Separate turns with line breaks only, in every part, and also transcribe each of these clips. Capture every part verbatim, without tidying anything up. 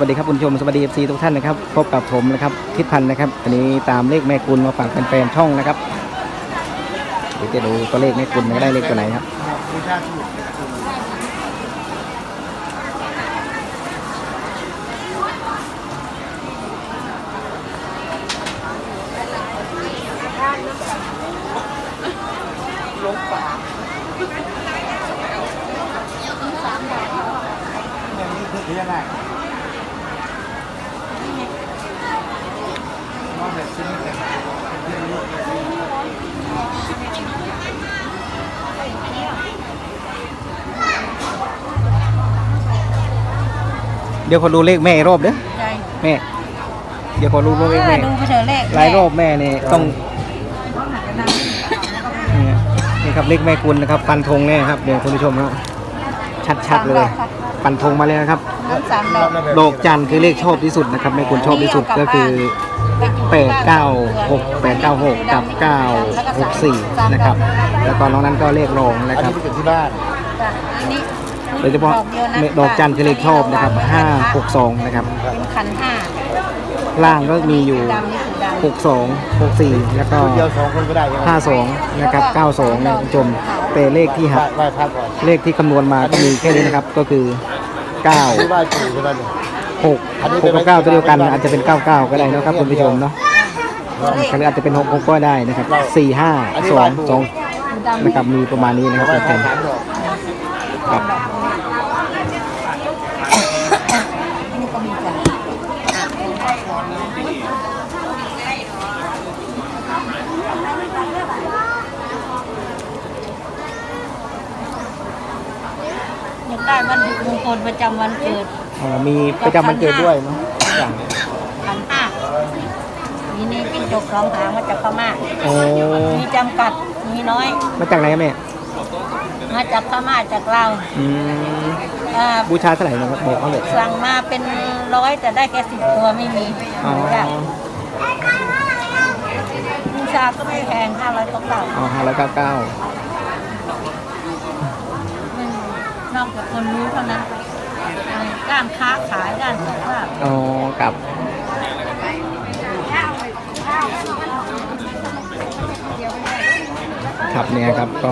วัสดีครับคุณผู้ชมสวัสดีเอฟซีทุกท่านนะครับพบกับผมนะครับทิศพันธ์นะครับวันนี้ตามเลขแม่กุลมาฝากแฟนๆช่องนะครับเดี๋ยวจะดูตัวเลขแม่กุลได้เลขตัวไหนครับ
ลงป่าอย่างนี้คือยังไงมองแบบชิ้นเลย
เดี๋ยวขอดูเลขแม่รอบเด้อแม่เดี๋ยวขอดูเลขแม่
ดูไปเถอะเลข
หลายรอบแม่เนี่ยต้องนี่ครับเลขแม่กุลนะครับฟันธงแน่ครับเดี๋ยวคุณผู้ชมครับชัดๆเลยฟันธงมาเลยนะครับดอกจันคือเลขชอบที่สุดนะครับแม่กุลชอบที่สุดก็คือแปดเก้าหกแปดเก้าหกกับเก้าหกสี่นะครับแล้วก็น้องนั้นก็เลขรองนะครับ
อันนี้เป็นที่บ้าน
โดยเฉพาะดอกจันคือเลขชอบนะครับห้าหกสองนะครับ
เป็นขันห้า
ล่างก็มีอยู่หกสอง หกสี่แล้วก็
เดียวสองคนก็ได้
ห้าสองนะครับเก้าสองนะคุณผู้ชมแต่เลขที่หัก
ไหว้พระก่อน
เลขที่คำนวณมาก็มีแค่นี้นะครับก็คือเก้า
ที่ไหว้ปู่ใช่ไหมเนี่ย
หก หกกับเก้าตัวเดียวกันอาจจะเป็นเก้าเก้าก็ได้นะครับคุณผู้ชมเนาะหรืออาจจะเป็นหกหกก็ได้นะครับสี่ห้าสองสองนะครับมีประมาณนี้นะครับแฟนๆครับ
ได้วันมงคลประจำวันเกิด
อ๋อมีประจำวันเกิดด้วยเนาะอย่าง
ขันห้ามีนี่จิ้งจกสองหางมาจากพม่า
โอ้
มีจำกัดมีน้อย
มาจากไหนแม่
มาจากพม่าจากลาว
อืมบูชาเท่าไหร่นะครับบอกเขาเลย
สั่งมาเป็นร้อยแต่ได้แค่สิบตัวไม่มี
อ๋อ
บูชาก็ไม่แพงห้าร้อยเก้าเก้า
อ๋อห้าร้อยเก้าเก้
นอกจากคนรู้เท่านั้นด้านค้าขายด้านสุขภาพ
อ๋อกับครับเนี่ยครับก็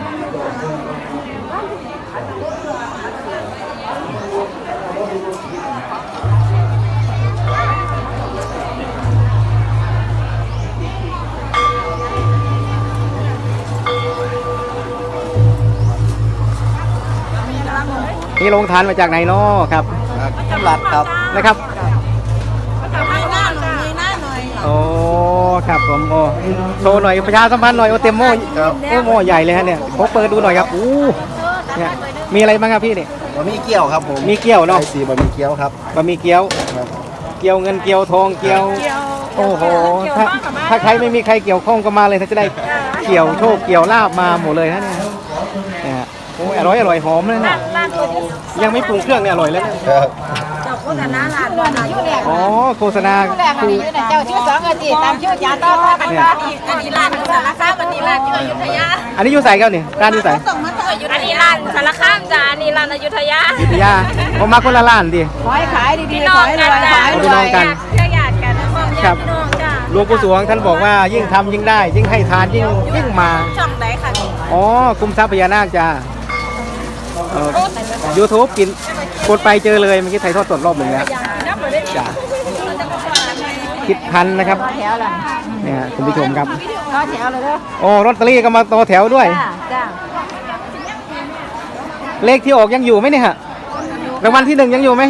นี่ลงทานมาจากไหนเนาะครับ
ตลาดครับ
นะครับ
มีหน้าหน่อยมีหน้าหน่อย
โอ้ครับผมโอ้โชว์หน่อยประชาสัมพันธ์หน่อยโอเต็มโม่โอ้โม่ใหญ่เลยฮะเนี่ยผมเปิดดูหน่อยครับอู้เนี่ยมีอะไรบ้างครับพี่เนี่ย
บะหมี่เกี๊ยวครับผม
มีเกี๊ยวเนาะ
สีบะหมี่เกี๊ยวครับ
บะหมี่เกี๊ยวเกี๊ยวเงินเกี๊ยวทองเกี๊ยวโอ้โหถ้าถ้าใครไม่มีใครเกี่ยวข้องก็มาเลยถ้าจะได้เกี่ยวโชคเกี่ยวลาบมาหมดเลยฮะเนี่ยเนี่ยโอ้อร่อยอร่อยหอมเลยนะยังไม่ปรุงเครื่องเนี่ยอร่อยแล้ว
โฆษณาร้านวันอายุแรก
อ๋อโฆษณา
คือเจ้าชื่อสองอาทิตย์ตามชื่อยาต้อนรับกันอันนี้ร้านสารคามอันนี้ร้านที่อยุธยา
อันนี้อยู่ใส่กันนี่ร้านอยู่ใส่
อันนี้ร้านสารคามจ้าอันนี้ร้านอยุธยา
อยุธยาผมมาคนละร้านดิ
ขอให้ขายดีๆขอให้รวยขายรวยกันเชื่อญาติกัน
ครับหลวงปู่สวงท่านบอกว่ายิ่งทำยิ่งได้ยิ่งให้ทานยิ่งยิ่งมา
ช่องไหนคะ
อ๋อคุมทรัพย์พญานาคจ้ายูทูบกินกดไปเจอเลยเมื่อกี้ไทยทอดสดรอบหนึ่งแล้วจ้าคิดพันนะครับเนี่ยคุณผู้ชมครับ
ต่อแถวเลยเด้อ
โอ้ลอตเตอรี่ก็มาต่อแถวด้วยเลขที่ออกยังอยู่ไหมเนี่ยฮะรางวัลที่หนึ่งยังอยู่ไหม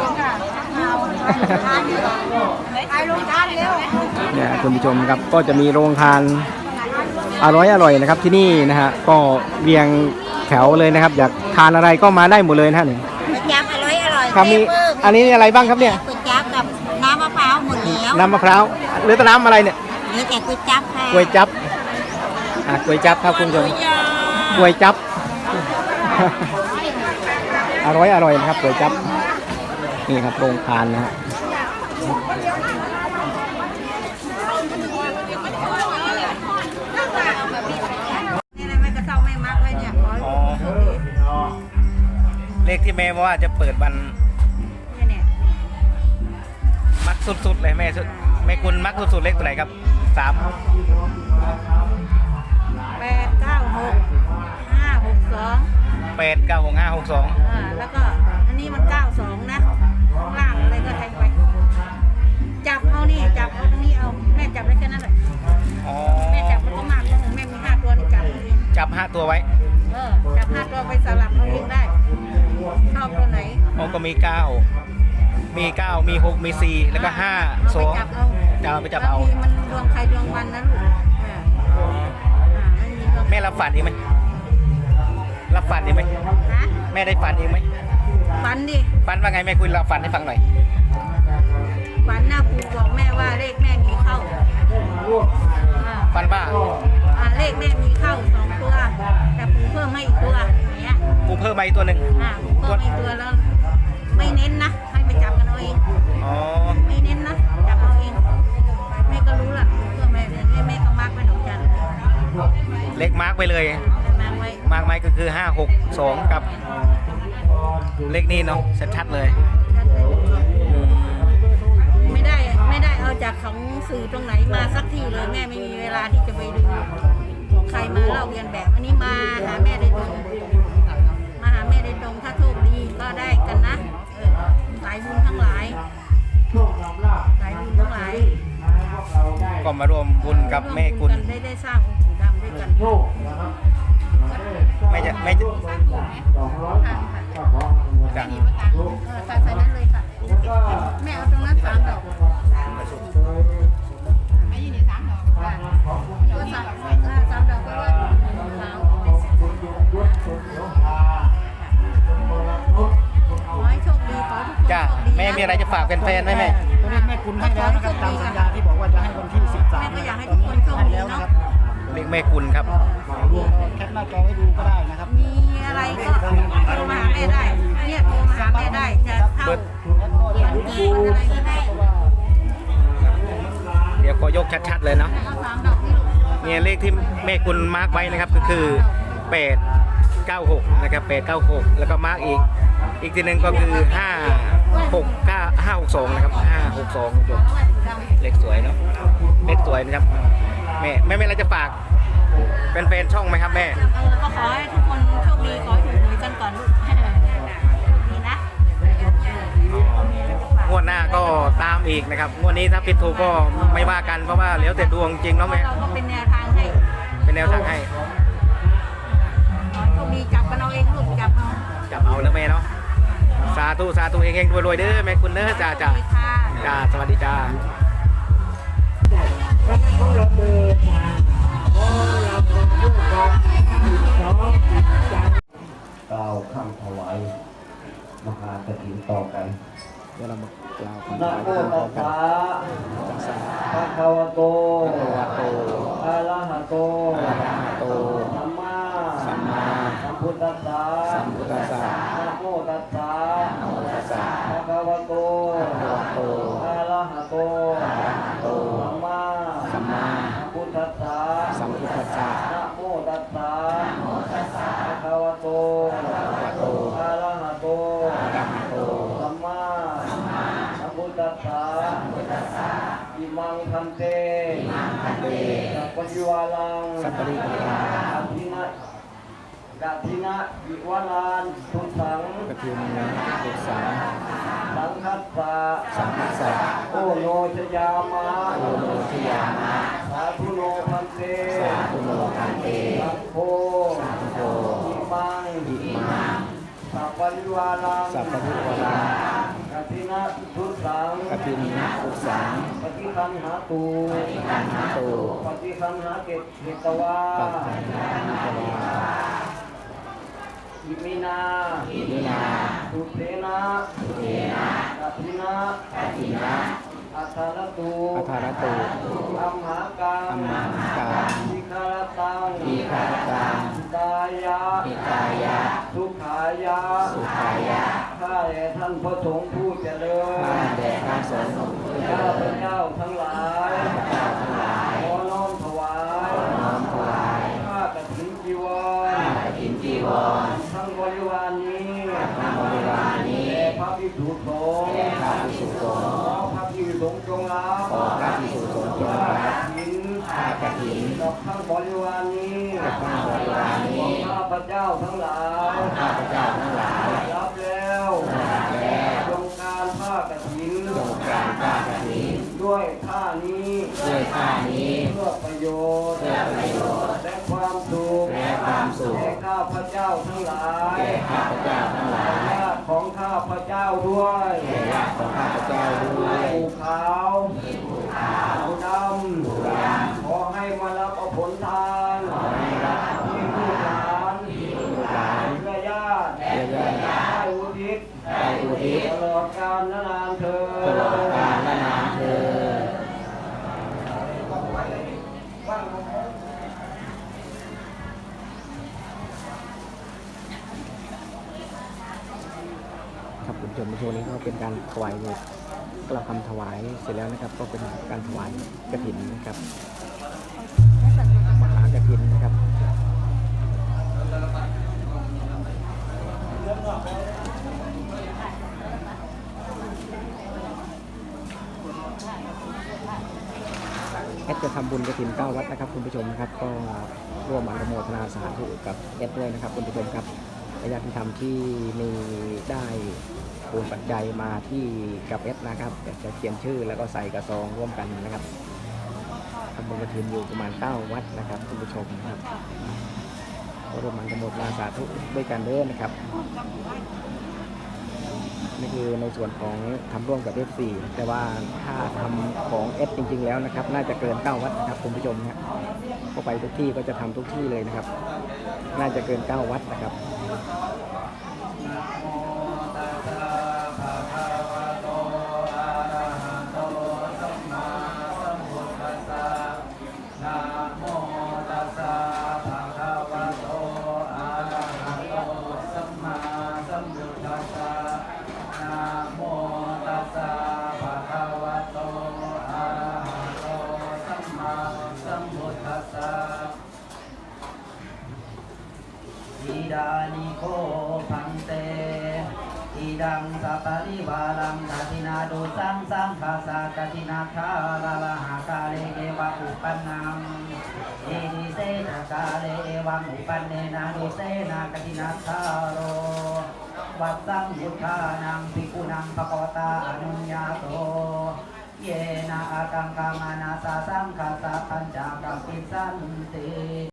เนี่ยคุณผู้ชมครับก็จะมีโรงทานอร่อยอร่อยนะครับที่นี่นะฮะก็เรียงแถวเลยนะครับอยากทานอะไรก็มาได้หมดเลยนะฮะนี่
ก๋วยจั๊บอร่อยอร่อย
ครับมีอันนี้อะไรบ้างครับเนี่ย
ก๋วยจั๊บกับน้ำมะพร้าวหมดแล้ว
น้ำมะพร้าวหรือน้ำอะไรเนี่ย
หรือแต่ก๋วยจั๊บค่ะ
ก๋วยจั๊บอ่ะก๋วยจั๊บครับคุณผู้ชมก๋วยจั๊บอร่อยอร่อยนะครับก๋วยจั๊บนี่ครับโรงทานนะฮะ เลขที่แม่ว่าจะเปิดวันสุดๆเลยแม่สุดแม่คุณมักสุดๆเลขตัวไหนครับสาม
แปดเก้าหกห้าหกสอง
แปดเก้าหกห้าหกสอง
อ่าแล้วก็อันนี้มันเก้าสองนะข้างล่างอะไรก็แทงไปจับเอานี่จับเอาตรงนี้เอาแม่จับได้แค่นั้นแหละ
อ๋อ
แม่จับมันก็มากแม่มีห้าตัวนี่จับเอาเอง
จับห้าตัวไว้
เออจับห้าตัวไปสลับเอาเองได้ชอบตัวไหน
อ๋อก็มีเก้ามีเก้ามีหกมีสี่แล้วก็ห้า
เอา
ส
ไป
อง
จับเอา
จะเอาไปจับเอา
บงทีมันดวงใครดวงมันนะลูกอ่าอ่าไม่มีดวง
แม่รับฝันอีกไหมรับฝันอีกไหม
ฮะ
แม่ได้ฝันอีกไหม
ฝันดิ
ฝันว่าไงแม่คุณเราฝันให้ฟังหน่อย
ฝันหน้าปู่บอกแม่ว่าเลขแม่มีเข้าอ่า
ฝันว่า
อ่าเลขแม่มีเข้าสองตัว แต่ปู่เพิ่มให้อีกตัวอย่างเงี้ย
กูเพิ่มมาอีกตัวหนึ่ง
อ่าปู่เพิ่มให้อีกตัวแล้ว ไม่เน้นนะ ให้ไปจับกันเอาเอง
อ๋อ
ไม่เน้นนะ จับเอาเอง แม่ก็รู้ละปู่เพิ่มแม่เนี่ยแม่ก็มาร์กไว้ดอกจัน
เลขมาร์กไปเลย
มาร์กไว้
มาร์กไว้ก็คือห้าหกสองกับเลขนี้เนาะชัดๆเลยอืม
ไม่ได้ไม่ได้เอาจากของสื่อตรงไหนมาสักที่เลยแม่ไม่มีเวลาที่จะไปดูของใครมาเล่าเรียนแบบ อันนี้มาหาแม่ได้ตรงมาหาแม่ได้ตรงถ้าโชคดีก็ได้กันนะเออสายบุญทั้งหลายสายบุญทั้งหลาย
ก็มารวมบุญกับแม่คุณ
ร่วมบุญกันได้ได้สร้างองค์ปู่ดำด้วยกัน
แม่จะแม่จะ
ค่ะค่ะ
จะ
เออใส่ใส่นั้นเลยค่ะแม่เอาตรงนั้นสามดอกไม่ยืนสามดอกค่ะก็สามอ่าสามดอกก็ว่าขาวขอให้โชคดีขอให้ทุกคน
จ้า
โชคดีนะ
แม่มีอะไรจะฝากแฟนๆไหมแม่
ตัวเลขแม่คุณให้แล้วนะครับตามสัญญาที่บอกว่าจะให้วันที่สิบสาม
แม่ก็อยากให้ทุกคนโชค
ให้
ดี
แล้วนะ
เนาะ
ครับ
เลขแม่คุณครับ
รวมแคปหน้าจอไว้ดูก็ได้นะครับ
มีอะไรก็โทรมาหาแม่ได้เนี่ยโทรมาหาแม่ได้จะเข้า
เบิด
สังเกตอะไรก็ได้
เดี๋ยวขอยกชัดๆเลยเนาะ
เอาสามดอกนี่ลูก
เนี่ยเลขที่แม่คุณมาร์กไว้นะครับก็คือแปดเก้าหกนะครับแปดเก้าหกแล้วก็มาร์กอีก อีกทีหนึ่งก็คือห้าหกเก้าห้าหกสองนะครับห้าหกสองจบเลขสวยเนาะเลขสวยนะครับแม่แม่ไม่อะไรจะฝากเป็นแฟนๆช่องไหมครับแม่
เออก็ขอให้ทุกคนโชคดีขอให้ถูกหวยกันก่อนลูกโชคดีนะ
งวดหน้าก็ตามอีกนะครับงวดนี้ถ้าผิดถูกก็ไม่ว่ากันเพราะว่าแล้วแต่ดวงจริงเนาะแม่
เราก็เป็นแนวทางให้
เป็นแนวทางให้
ขอให้โชคดีจับกันเอาเองลูกจับเอา
จับเอานะแม่เนาะสาธุสาธุเฮงๆรวยๆเด้อแม่คุณเด้อจ้าจ้า
เลยค่ะ
จ้าสวัสดีจ้า
กล่าวคำถวายมหากฐินต่อกัน
เดี๋ยวเรามากล่าวคำ
นะ
ถวาย
โม
พร้อม
ตัส
กัน
สะ
จักสา
ภะคะวะโต
พระวะโต
อะระหะโต
อะระหะโต
สัมมา
สัมมา
สัมพุทธัสสะ
สัมพุทธัสสะ
นะโมตัสสะ
นะโมตัสสะ
ภะคะวะโต
พระวะโต
อะระหะโต
อะระหะโต
สัมมา
สัมมา
สัมพุทธัสสะ
สัมพุทธัสสะ
นะโมตัสสะภะคะวะโต
พระวะโต
อะระหะโต
อะระหะโต
สัมมาสัมพุทธัสสะอิมังคันเตสัพพะวาลัง
สัพพะริวารัง
กัตถินะกัตถินะวิวาลานทุสัง
กฐินนะบุษา
สังคัสสะ
สัมพุทธะ
โอโนชยามะ
โอโนทิยามะ
สาธุโนพันเต
สาธุโนทันเต
สังโฆ
สังโฆ
อิมัง
อิมัง
สัพพะริวาลัง
สัพพะริวารัง
กัตถินะทุสัง
กฐินนะบุษา
ปฏิคันหาตู
อันหาโต
ปฏิคันหาเกตเกตวา
ปัจจัยนิกวา
อิมินา
อิมินา
สุเทนะสุเทนะกัตถินะ
กัตินะ
อัทารตุ
อัทารโต
อัมหากัง
อัมมากัง
อิคารตัง
อีคารตัง
กายะ
อิกายะ
สุขายะ
สุขายะ
ข้าแต่ท่านพระสงฆ์ผู้เจริญ
ข้าแด่พระสงฆ์ผู้เจ
ข้า
ริ
พ
ญ
เจ้าทั้งหลาย
ข้าพเจ้าทั้งหลาย
ขอน้อมถวาย
น้อมถวาย
ข้ากฐินจีวร
ข้ากฐินจีวร
ทั้งบริวารนี้
ทั้งบริวารนี้
แด่พระภิกษุสงฆ์
แด่พระภิกษุสงฆ์
ขอพระภิกษุสงฆ์ของข้าพเจ้าทั้งหลายข้าพเจ้าทั้งหลายรับแล้วจงการผ้ากฐินจงการผ้ากฐินด้วยผ้านี้ด้วยผ้านี้เพื่อประโยชน์เพื่อประโยชน์และความสุขและความสุขแก่ข้าพเจ้าทั้งหลายแก่ข้าพเจ้าทั้งหลายญาติของข้าพเจ้าด้วยญาติของข้าพเจ้าด้วยผู้ขาวผู้ดำขอให้มารับเอาผลทานที่ลูกหลานเพื่อญาติได้อุทิศได้อุทิศตลอดกาลนานเธอตลอดกาลนานเธอ
ครับคุณผู้ชมในช่วงนี้ก็เป็นการถวายกล่าวคำถวายเสร็จแล้วนะครับ ก็เป็นการถวายกฐินนะครับมหากฐินนะครับแอดจะทำบุญกฐินเก้าวัดนะครับคุณผู้ชมนะครับก็ร่วมอนุโมทนาสาธุกับแอดด้วยนะครับคุณผู้ชมครับญาติธรรมที่มีได้โอนปัจจัยมาที่กับเอสนะครับจะเขียนชื่อแล้วก็ใส่กระซองร่วมกันนะครับทำบุญกฐินอยู่ประมาณเก้าวัดนะครับคุณผู้ชมครับก็ร่วมอนุโมทนาสาธุด้วยกันเด้อนะครับนี่คือในส่วนของทำร่วมกับ เอฟ ซี แต่ว่าถ้าทำของ เอส จริงๆแล้วนะครับน่าจะเกินเก้าวัดนะครับคุณผู้ชมนะก็ไปทุกที่ก็จะทำทุกที่เลยนะครับน่าจะเกินเก้าวัดนะครับ
อิดานิโคพังเตอิดังสัปริวารังกตินาดุสังสังคาสากตินาคาลาลาหากาเลเอวะอุปันนังเอดิเสนากาเลเอวังอุปันเนนาดุเสนากตินาคาโรวัดสังพุทธานังภิกขุนังภควตาอนุญญาโตเยนะอากังกามานาสาสังคาสาปัญจกัมปิสันติ